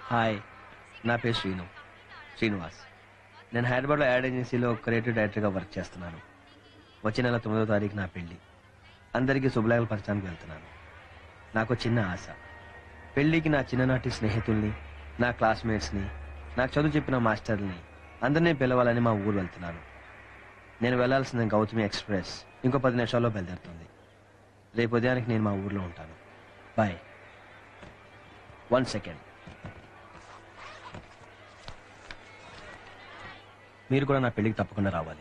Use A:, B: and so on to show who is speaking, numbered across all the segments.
A: Hi, నా పేరు శ్రీనివాస్. నేను హైదరాబాద్లో యాడ్ ఏజెన్సీలో క్రియేటివ్ డైరెక్టర్గా వర్క్ చేస్తున్నాను. వచ్చే నెల 9వ తారీఖు నా పెళ్లి. అందరికీ శుభలేఖలు పంచడానికి వెళ్తున్నాను. నాకు చిన్న ఆశ, పెళ్లికి నా చిన్ననాటి స్నేహితుల్ని, నా క్లాస్మేట్స్ని, నాకు చదువు చెప్పిన మాస్టర్ని అందరినీ పిలవాలని మా ఊరు వెళ్తున్నాను. నేను వెళ్లాల్సిన గౌతమి ఎక్స్ప్రెస్ ఇంకో 10 నిమిషాల్లో బయలుదేరుతుంది. రేపు ఉదయానికి నేను మా ఊర్లో ఉంటాను. బాయ్. 1 సెకండ్. మీరు కూడా నా పెళ్లికి తప్పకుండా రావాలి.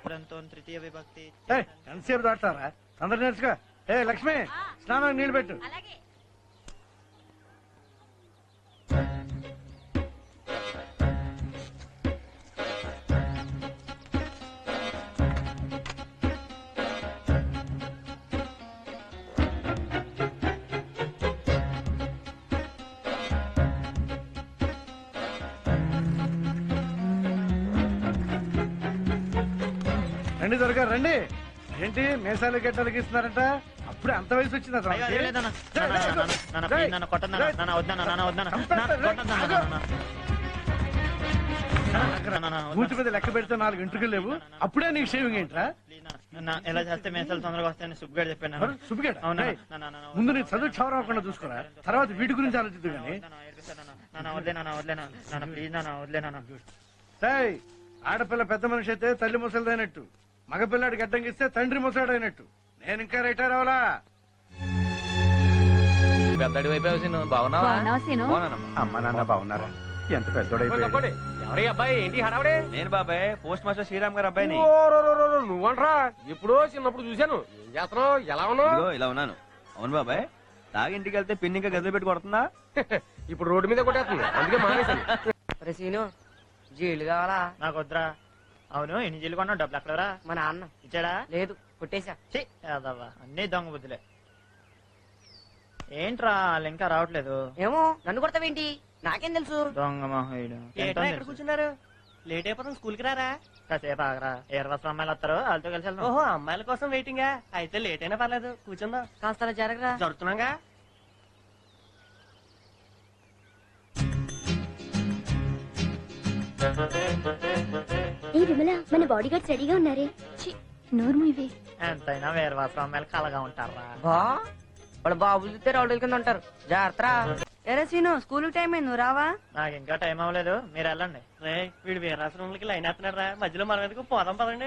B: ఎంతసేపు దాటారా? తొందర నేర్చుకో. లక్ష్మి, స్నానానికి నీళ్ళు పెట్టు. రండి త్వరగా రండి. ఏంటి మేసాలు గెట్టాలకి ఇస్తున్నారంట? అప్పుడే అంత వయసు వచ్చిందా? కూర్చు మీద లెక్క పెడితే 4 ఇంటికలు లేవు, అప్పుడే నీకు షేవింగ్ ఏంట్రా?
C: ఎలా చేస్తే మేసాలు తొందరగా వస్తాయని సుబ్బుగాడు చెప్పాను.
B: సుబ్బిగాడు ముందు నీ చదువు క్షవరకుండా చూసుకోరా, తర్వాత వీటి గురించి ఆలోచిద్దు గానీ. ఆడపిల్ల పెద్ద మనిషి అయితే తల్లి ముసలిదైనట్టు, మగపిల్లాడి గడ్డంగిస్తే తండ్రి ముసలాడైనట్టు. నేను ఇంకా రిటైర్ అవలా.
D: పెద్దడి వైపు బాగున్నావా?
B: అమ్మ నాన్న బాగున్నారా? ఎంత పెద్దోడైపోయాడు.
D: ఎవరి అబ్బాయి? ఏంటి హడావుడే?
A: నేను బాబాయ్, పోస్ట్ మాస్టర్ శ్రీరామ్ గారు అబ్బాయిని.
D: నువ్వంట్రా? ఎప్పుడో చిన్నప్పుడు చూశాను. ఏం చేస్తున్నావు? ఎలా ఉన్నావు?
A: ఇలా ఉన్నాను. అవును బాబాయ్, తాగి ఇంటికి వెళ్తే పిన్ని ఇంకా గదిలో పెట్టి కొడుతుందా?
D: ఇప్పుడు రోడ్డు మీద కొట్టేస్తుంది, అందుకే మానేశాను.
E: సీను జీళ్ళు కావాలా?
C: నాకు వద్దురా. అవును, ఎన్ని జీలు కొన్నావు? డబ్బులు ఎక్కడరా?
E: మా నాన్న
C: ఇచ్చాడా?
E: లేదు, కొట్టేశా.
C: అన్నీ దొంగ బుద్ధులే. ఏంట్రా వాళ్ళు ఇంకా రావట్లేదు?
E: ఏమో, నన్ను కొడతావేంటి? నాకేం తెలుసు?
C: దొంగ మహోయుడు.
F: ఎక్కడ కూర్చున్నారు? లేట్ అయిపోతాం, స్కూల్ కి రారా?
C: కాసేపు ఆగరా, 20 అమ్మాయిలు వస్తారు, వాళ్ళతో కలిసి వెళ్దాం.
F: ఓహో, అమ్మాయిల కోసం వెయిటింగా? అయితే లేట్ అయినా పర్లేదు, కూర్చుందాం.
E: కాస్త అలా జరగరా.
F: జరుగుతున్నాగా.
G: ఏ విమల, మన బాడీ గార్డ్స్ రెడీగా ఉన్నారే. నోర్ము ఇవే.
C: ఎంతైనా 20 అమ్మాయిలు కలగా ఉంటారా?
E: బా వాళ్ళ బాబులు చూస్తే రౌడీల కింద ఉంటారు, జాగ్రత్త. ఎరే సీను, స్కూల్ టైం అయింది, నువ్వు రావా?
C: నాకు ఇంకా టైం అవ్వలేదు, మీరు వెళ్ళండి.
F: రే, వీడు వీరాశ్రమంలోకి లైన్ వేస్తున్నాడు రా, మధ్యలో మనం ఎందుకు పోదాం పదండి.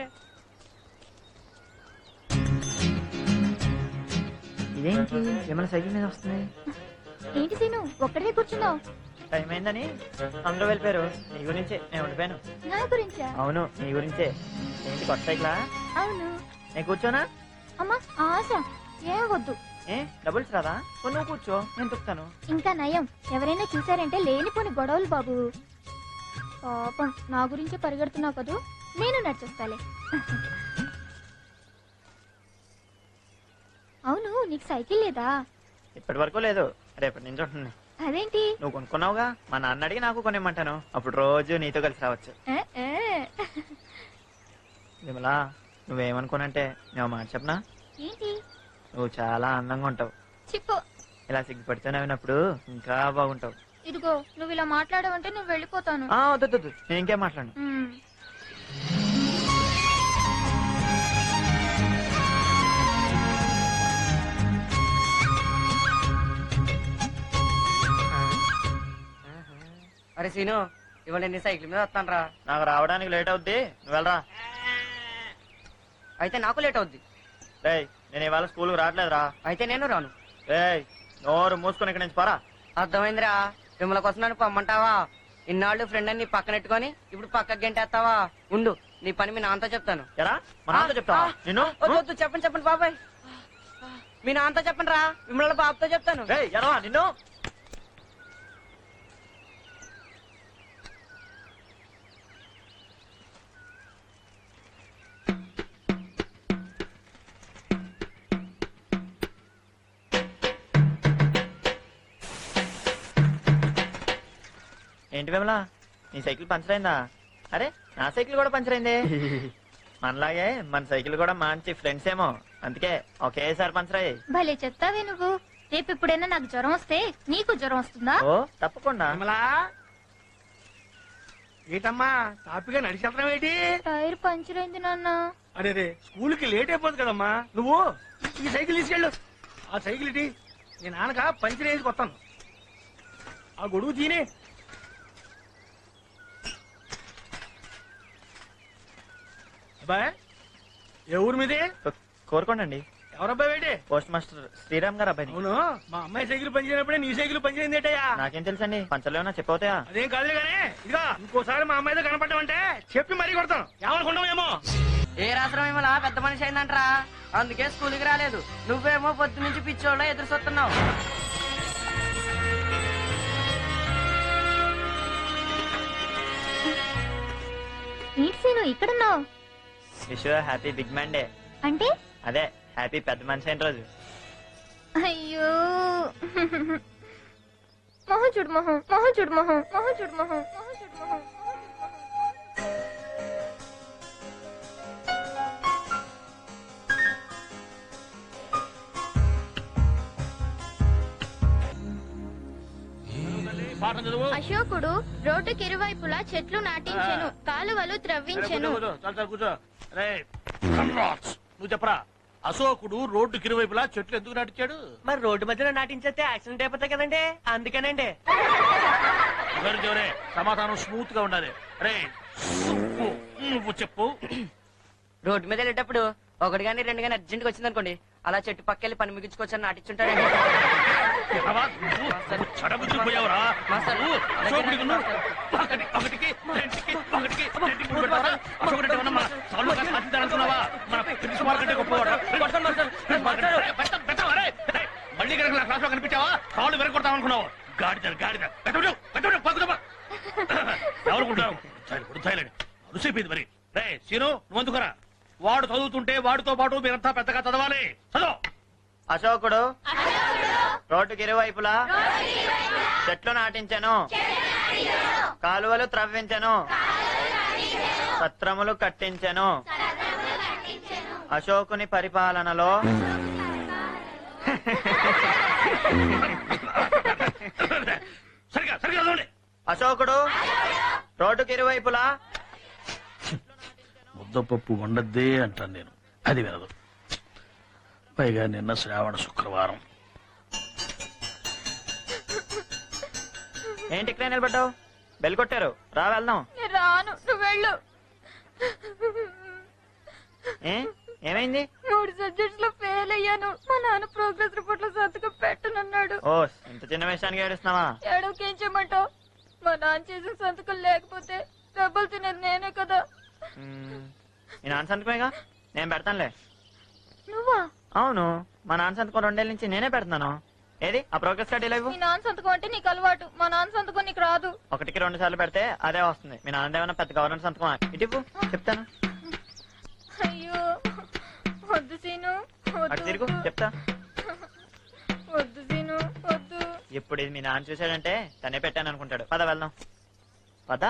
C: ఇదేంటి విమల సైకిల్ మీద వస్తుంది?
G: ఏంటి సీను, ఒక్కడే కూర్చున్నావు?
C: టైం అయిందని అందరూ వెళ్ళిపోయారు. నీ గురించే నేను ఉండిపోయాను.
G: నా గురించా?
C: అవును, నీ గురించే. ఏంటి కొత్త సైకిలా?
G: అవును.
C: నేను కూర్చోనా?
G: అమ్మా ఆశ, ఏ వద్దు.
C: ఏ డబుల్స్ రాదా? నువ్వు కూర్చో, నేను తొక్కుతాను.
G: ఇంకా నయం, ఎవరైనా చూసారంటే లేనిపోని గొడవలు బాబు. పాపం, నా గురించి పరిగెడుతున్నావు కదూ, నేను నడిచొస్తాలే. అవును, నీకు సైకిల్ లేదా?
C: ఇప్పటి వరకు లేదు, రేపటి నుంచి ఉంటుంది.
G: అదేంటి?
C: నువ్వు కొనుక్కున్నావుగా, మా నాన్న అడిగి నాకు కొనిమ్మంటాను. అప్పుడు రోజు నీతో కలిసి రావచ్చు. విమలా, నువ్వేమనుకోనంటే నేను మాట చెప్పనా?
G: ఏంటి?
C: నువ్వు చాలా అందంగా ఉంటావు.
G: చిప్పు.
C: ఇలా సిగ్గుపడితే నవ్వినప్పుడు ఇంకా బాగుంటావు.
G: ఇదిగో, నువ్వు ఇలా మాట్లాడవంటే నువ్వు వెళ్ళిపోతాను.
C: వద్దు, నేను ఇంకేం మాట్లాడను.
E: అరే సీను, ఇవాళ నేను సైకిల్ మీద వస్తాను రా.
C: నాకు రావడానికి లేట్ అవుద్ది, నువ్వు వెళ్ళరా.
E: అయితే నాకు లేట్ అవుద్ది.
C: రేయ్, నేను ఇవాళ స్కూల్కి రావట్లేదురా.
E: అయితే నేను రాను.
C: రేయ్, నోరు మూసుకొని ఇక్కడి నుంచి పోరా.
E: అర్థమైందిరా. విమల కోసం నన్ను పొమ్మంటావా? ఇన్నాళ్ళు ఫ్రెండ్ అని నీ పక్కనెట్టుకొని ఇప్పుడు పక్కకి గంటేస్తావా? ఉండు, నీ పని మీ నాన్నతో చెప్తాను.
C: ఎరా, మా నాన్నతో చెప్తావా? నిన్ను
E: వద్దు, చెప్పండి బాబాయ్. మీ నాన్నతో చెప్పండి రా, విమల బాబుతో చెప్తాను.
C: రేయ్, ఎరా నిన్ను. ఏంటి విమలా, నీ సైకిల్ పంచర్ అయిందా? అరే, నా సైకిల్ కూడా పంచర్ అయింది. మనలాగే మన సైకిల్ కూడా మంచి ఫ్రెండ్స్ ఏమో, అందుకే ఒకేసారి పంచర్ అయ్యాయి.
G: భలే చెప్తావే నువ్వు. రేపు ఎప్పుడైనా నాకు జ్వరం వస్తే నీకు జ్వరం వస్తుందా?
C: ఓ తప్పకుండా.
B: విమలా ఏటమ్మా తాపిగా నడిచేస్తున్నావు ఏంటి?
G: టైర్ పంచర్ అయింది నాన్న.
B: అరే స్కూల్ కి లేట్ అయిపోతుంది కదమ్మా. నువ్వు ఈ సైకిల్ తీసుకెళ్ళు. ఆ సైకిల్ ఇటీ నీ నాన్నక పంచర్ వేసి కొత్తాను. ఆ గొడుగు తీనే. అబ్బాయ్ ఏ ఊరు మీది?
C: కోరుకోండి.
B: ఎవరబ్బాయి ఏంటి?
C: పోస్ట్ మాస్టర్ శ్రీరామ్ గారు అబ్బాయి.
B: అవును మా అమ్మాయి సైకిల్ పనిచేయనప్పుడే నీ సైకిల్ పనిచేయింది ఏంటయ్యా?
C: నాకేం తెలుసండి, పంచర్లు ఏమన్నా చెప్పవుతాయా?
B: అదేం కాదులే గానీ ఇదిగా ఇంకోసారి మా అమ్మాయితో కనపడ్డామంటే చెప్పి మరీ కొడతాను. ఏమనుకుంటాం ఏమో.
E: ఏ రాత్రం ఏమో పెద్ద మనిషి అయిందంటరా, అందుకే స్కూల్కి రాలేదు. నువ్వేమో పొద్దు నుంచి పిచ్చోళ్ళ ఎదురు చూస్తున్నావు.
G: ఏంటి సీను ఇక్కడున్నావు?
C: Wish happy big man day.
G: అంటే
C: అదే హ్యాపీ పెద్ద మనిషి అయిన రోజు.
G: అయ్యో మొహం చూడు మొహం, మొహం చూడు మొహం, మొహం చూడు మొహం, మొహం చూడు మొహం. అశోకుడు రోడ్డుకి ఇరువైపులా చెట్లు నాటించెను, కాలువలు త్రవ్వించెను.
B: కూర్చో. నువ్వు చెప్పరా, అశోకుడు రోడ్డుకి ఇరువైపులా చెట్లు ఎందుకు నాటించాడు?
F: మరి రోడ్డు మధ్యలో నాటించేస్తే యాక్సిడెంట్ అయిపోతాయి కదండి, అందుకేనండి.
B: సమాధానం స్మూత్ గా ఉండాలి. రే నువ్వు చెప్పు.
E: రోడ్డు మీద వెళ్ళేటప్పుడు ఒకటి గానీ రెండు గానీ అర్జెంట్ గా వచ్చిందనుకోండి, అలా చెట్టు పక్కెళ్ళి పని ముగించుకోవచ్చని నాటించుంటాడండి.
B: చడబుద్ధిపోయావురా అశోకుడికి ఒకటికి అనుకున్నావా? మన ప్రిన్సిపాల్ కంటే గొప్పవాడు. మళ్ళీ కనుక నా క్లాస్ లో కనిపించావా కాళ్ళు వెరగొడతావు అనుకున్నావు. గాడిద ఎవరుకుంటావు? అరుసైపోయింది మరి. రే సీను నువ్వు అందుకురా. వాడు చదువుతుంటే వాడితో పాటు మీరంతా పెద్దగా చదవాలి. చదువు.
C: అశోకుడు రోడ్డుకి ఇరువైపులా చెట్లు నాటించాను, కాలువలు త్రవ్వించాను, సత్రములు కట్టించాను. అశోకుని పరిపాలనలో
B: సరిగా చదవండి.
C: అశోకుడు రోడ్డుకి ఇరువైపులా
H: ముద్దపప్పు వండద్దే అంటాను నేను, అది వినదు. పైగా నిన్న శ్రావణ శుక్రవారం.
C: ఏంటి ఇక్కడ నిలబడ్డావు? బెల్ కొట్టారు, రా వెళ్దాం.
G: రాను, నువ్వు వెళ్ళు.
C: ఏమైంది?
G: 3 సబ్జెక్ట్స్ లో ఫెయిల్ అయ్యాను. మా నాన్న ప్రోగ్రెస్ రిపోర్ట్ లో సంతకం పెట్టనన్నాడు.
C: ఓ ఇంత చిన్న విషయానికి ఏడుస్తున్నావా?
G: ఏడవకేం చేయమంటావు? మా నాన్న చేసిన సంతకం లేకపోతే డబ్బులు తినేది నేనే కదా.
C: మీ నాన్న సంతకమేగా, నేను పెడతానులే.
G: నువ్వా?
C: అవును, మా నాన్న సంతకం 2 ఏళ్ళ నుంచి నేనే పెడుతున్నాను. ఏది ఆ ప్రోగ్రెస్ కార్డు ఇలా ఇవ్వు.
G: మీ నాన్న సంతకం అంటే నీకు అలవాటు, మా నాన్న సంతకం నీకు రాదు.
C: 1కి 2 సార్లు పెడితే అదే వస్తుంది. మీ నాన్న ఏమన్నా పెద్ద గవర్నమెంట్ సంతకం ఇటు చెప్తాను.
G: అయ్యో వద్దు సీను,
C: అటు తిరుగు చెప్తా.
G: వద్దు సీను వద్దు.
C: ఇప్పుడు ఇది మీ నాన్న చూసాడంటే తనే పెట్టాను అనుకుంటాడు. పద వెళ్దాం, పదా.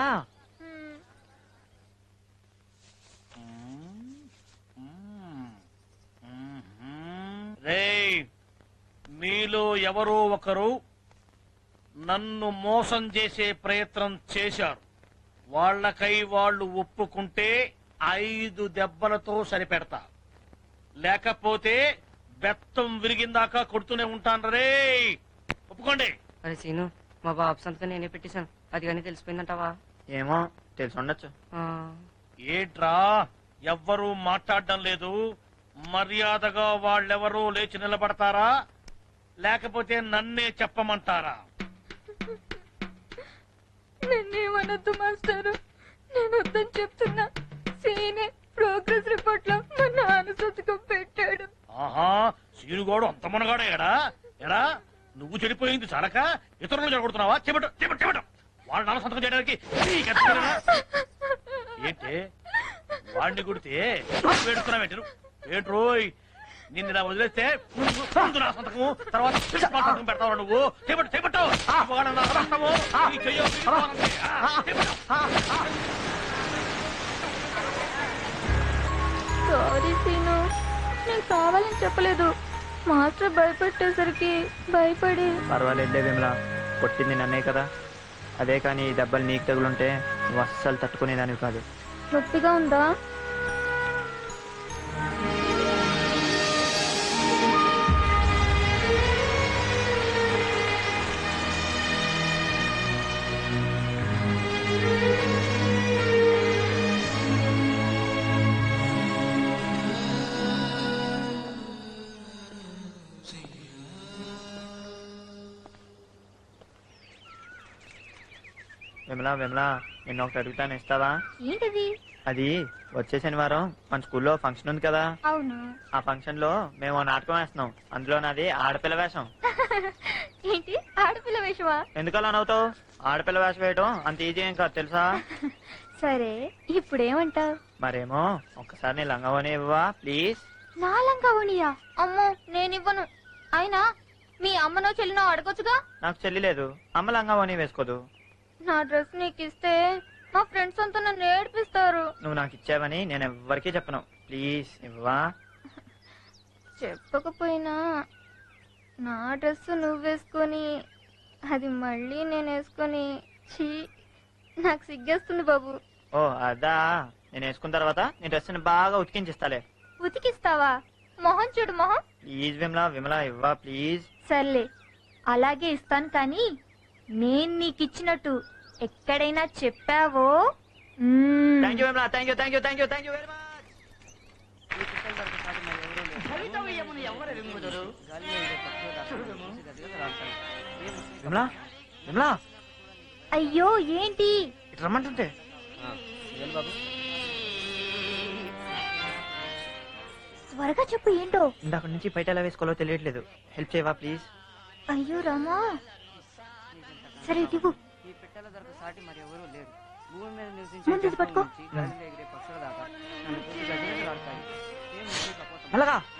B: రేయ్ మీలో ఎవరో ఒకరు నన్ను మోసం చేసే ప్రయత్నం చేశారు. వాళ్లకై వాళ్ళు ఒప్పుకుంటే 5 దెబ్బలతో సరిపెడతా, లేకపోతే బెత్తం విరిగిందాకా కొడుతూనే ఉంటాను. రే ఒప్పుకోండి.
E: అరే సీను, మా బాబు సంతకం నేనే పెట్టేశాను, అది కానీ తెలిసిపోయిందంటావా?
C: ఏమో తెలిసి ఉండొచ్చు.
B: ఏంట్రా ఎవ్వరూ మాట్లాడడం లేదు? మర్యాదగా వాళ్ళెవరూ లేచి నిలబడతారా, లేకపోతే నన్నే చెప్పమంటారా?
G: నేనేమనొద్దు మాస్టారు, నేను వద్దని చెప్తున్నా. సీనే ప్రోగ్రెస్ రిపోర్ట్ లో మా నాన్న సంతకం పెట్టాడు.
B: ఆహా సీనుగోడు అంత మునగాడే ఎడా నువ్వు చెడిపోయింది చాలక ఇతరులు చెడగొడుతున్నావా? చెప్పటం వాళ్ళ నాన్న సంతకం చేయడానికి ఏంటే వాడిని కొడితే వేడుకున్నావు ఏంట్రోయ్? నిన్ను ఇలా వదిలేస్తే ముందు నా సంతకము తర్వాత సంతకం పెడతావు నువ్వు. చేపట్టావు
G: సారీ సీను, నేను కావాలని చెప్పలేదు. మాస్టర్ భయపెట్టేసరికి భయపడి
C: పర్వాలేదులే విమల, కొట్టింది నన్నే కదా. అదే కానీ ఈ దెబ్బలు నీకు తగులుంటే నువ్వు అస్సలు తట్టుకునేదానివి కాదు.
G: నొప్పిగా ఉందా?
C: విమల విమల, నిన్న ఒకటి అడుగుతాను, ఇస్తావా?
G: ఏంటది?
C: అది వచ్చే శనివారం మన స్కూల్లో ఫంక్షన్ ఉంది కదా.
G: అవును.
C: ఆ ఫంక్షన్ లో మేము ఓ నాటకం వేస్తున్నాం. అందులో నాది ఆడపిల్ల వేషం.
G: ఏంటి ఆడపిల్ల వేషమా?
C: ఎందుకు అలా నవ్వుతావు? ఆడపిల్ల వేషం వేయటం అంత ఈజీ ఏం కాదు తెలుసా.
G: సరే ఇప్పుడేమంటావు?
C: మరేమో ఒక్కసారి నీ లంగవని ఇవ్వవా ప్లీజ్?
G: నా లంగావణియా? అమ్మో నేనివ్వను. అయినా మీ అమ్మనో చెల్లినో అడగొచ్చుగా.
C: నాకు చెల్లి లేదు, అమ్మ లంగవని వేసుకోదు.
G: నా డ్రెస్ నీకు ఇస్తే మా ఫ్రెండ్స్ అంతా నన్ను ఏడిపిస్తారు.
C: నువ్వు నాకు ఇచ్చావని నేను ఎవ్వరికీ చెప్పను. ప్లీజ్ ఇవ్వవా?
G: చెప్పకపోయినా నా డ్రెస్ నువ్వు వేసుకొని అది మళ్ళీ నేను వేసుకొని ఛీ నాకు సిగ్గేస్తుంది బాబు.
C: ఓ అదా, నేను వేసుకున్న తర్వాత నీ డ్రెస్ ని బాగా ఉతికించిస్తాలే.
G: ఉతికిస్తావా? మొహం చూడు మొహం.
C: ప్లీజ్ విమలా విమలా ఇవ్వా ప్లీజ్.
G: సర్లే అలాగే ఇస్తాను, కానీ నేను నీకు ఇచ్చినట్టు ఎక్కడైనా చెప్పావో
C: thank you Vimala, thank you thank you thank you thank you very much. Vimala Vimala,
G: అయ్యో ఏంటి?
C: ఇటు రమ్మంటుంటే.
G: త్వరగా చెప్పు ఏంటో.
C: ఇందాక నుంచి బయట ఎలా వేసుకోవాలో తెలియట్లేదు. హెల్ప్ చేయవా ప్లీజ్?
G: అయ్యో రామా. సరే ఇవ్వు.
E: ఈ పెట్టెల దొరక సాటి మరి ఎవరూ లేరు. భూమి మీద
G: ముందు ఇది పట్టుకో.
E: నివసించే గాలిలో ఎగిరే పక్షుల దాకా నన్ను చూసి గజగజలాడతాయి. ఏం ఉంది కపోతం?
C: మెల్లగా